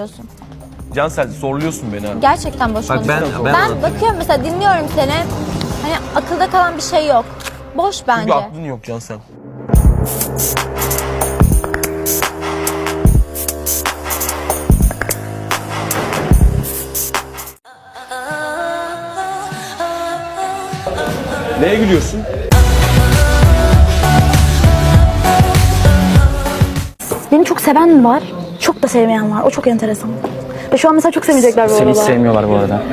konuşuyorsun. Cansel zorluyorsun beni abi. Gerçekten boş konuşuyorsun. Ben bakıyorum mesela, dinliyorum seni. Hani akılda kalan bir şey yok. Boş bence. Çünkü aklın yok Cansel. Neye gülüyorsun? Beni çok seven var, çok da sevmeyen var. O çok enteresan. Ve şu an mesela çok sevecekler bu arada. Seni hiç sevmiyorlar bu arada.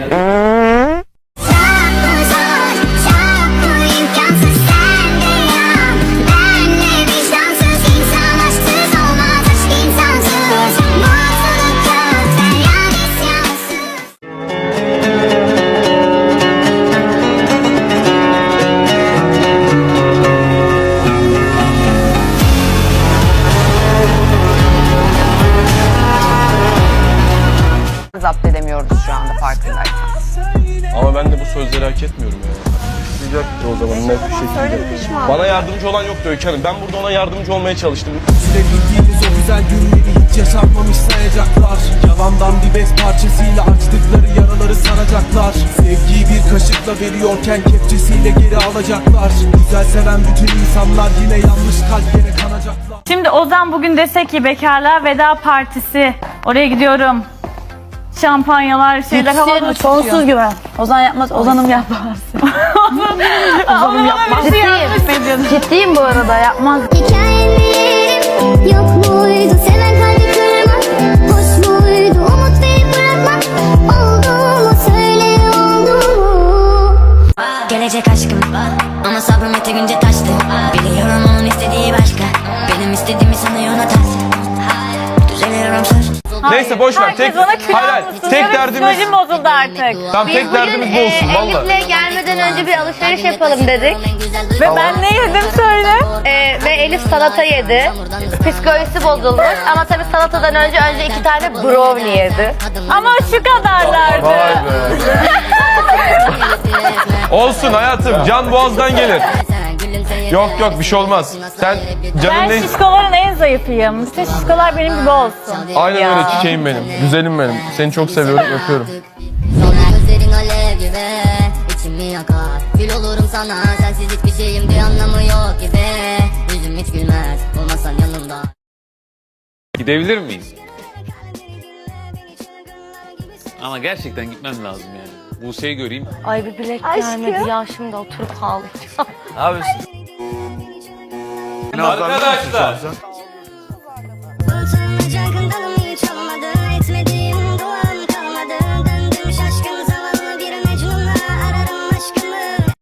Zapt edemiyoruz şu anda farkındayım. Ama ben de bu sözleri hak etmiyorum ya. Sıcaktı o zaman net bir şekilde. Bana yardımcı olan yoktu Öykü Hanım. Ben burada ona yardımcı olmaya çalıştım. Sürebildiğimiz o güzel günleri hiç yaşanmamış sayacaklar. Yalandan bir bez parçasıyla açtıkları yaraları saracaklar. Sevgiyi bir kaşıkla veriyorken kepçesiyle geri alacaklar. Güzel seven bütün insanlar yine yanlış kalplere kanacaklar. Şimdi Ozan bugün dese ki bekarlığa veda partisi. Oraya gidiyorum. Şampanyalar, şeyler havada Sonsuz güven. Ozan yapmaz, Ozan'ım yapmaz. Ozan'ım yapmaz. Ciddiyim bu arada, yapmaz. Hikayelerim yok muydu? Seven kalbi kırmak hoş muydu? Umut verip bırakmak oldu mu? Söyle oldu mu? Gelecek aşkım ama sabrım yeterince taştı. Biliyorum onun istediği başka. Benim istediğimi sanıyor ona ters. Düzeliyorum söz. Neyse boş ver. Herkes ona kül almışsın. Tek derdimiz... Psikolojim bozuldu artık. Tamam tek derdimiz bu olsun valla. Elif'le gelmeden önce bir alışveriş yapalım dedik. Ve ben ne yedim söyle. Ve Elif salata yedi. Psikolojisi bozulmuş ama tabii salatadan önce 2 tane brownie yedi. Ama şu kadarlardı. Vay be. Olsun hayatım. Can boğazdan gelir. Yok bir şey olmaz. Sen canın Ben ne... şişkoların en zayıfıyım. İşte şişkolar benim gibi olsun. Aynen öyle çiçeğim benim. Güzelim benim. Seni çok seviyorum. Öpüyorum. Gözlerin alev gibi içimi yakar. Gül olurum sana sensiz hiçbir şeyim bir anlamı yok gibi. Yüzüm hiç gülmez olmasan yanımda. Gidebilir miyiz? Ama gerçekten gitmem lazım yani. Buse'yi göreyim. Ay bir bilek gelmedi ya, şimdi oturup ağlayacağım. Ne yapıyorsun? Arkadaşlar.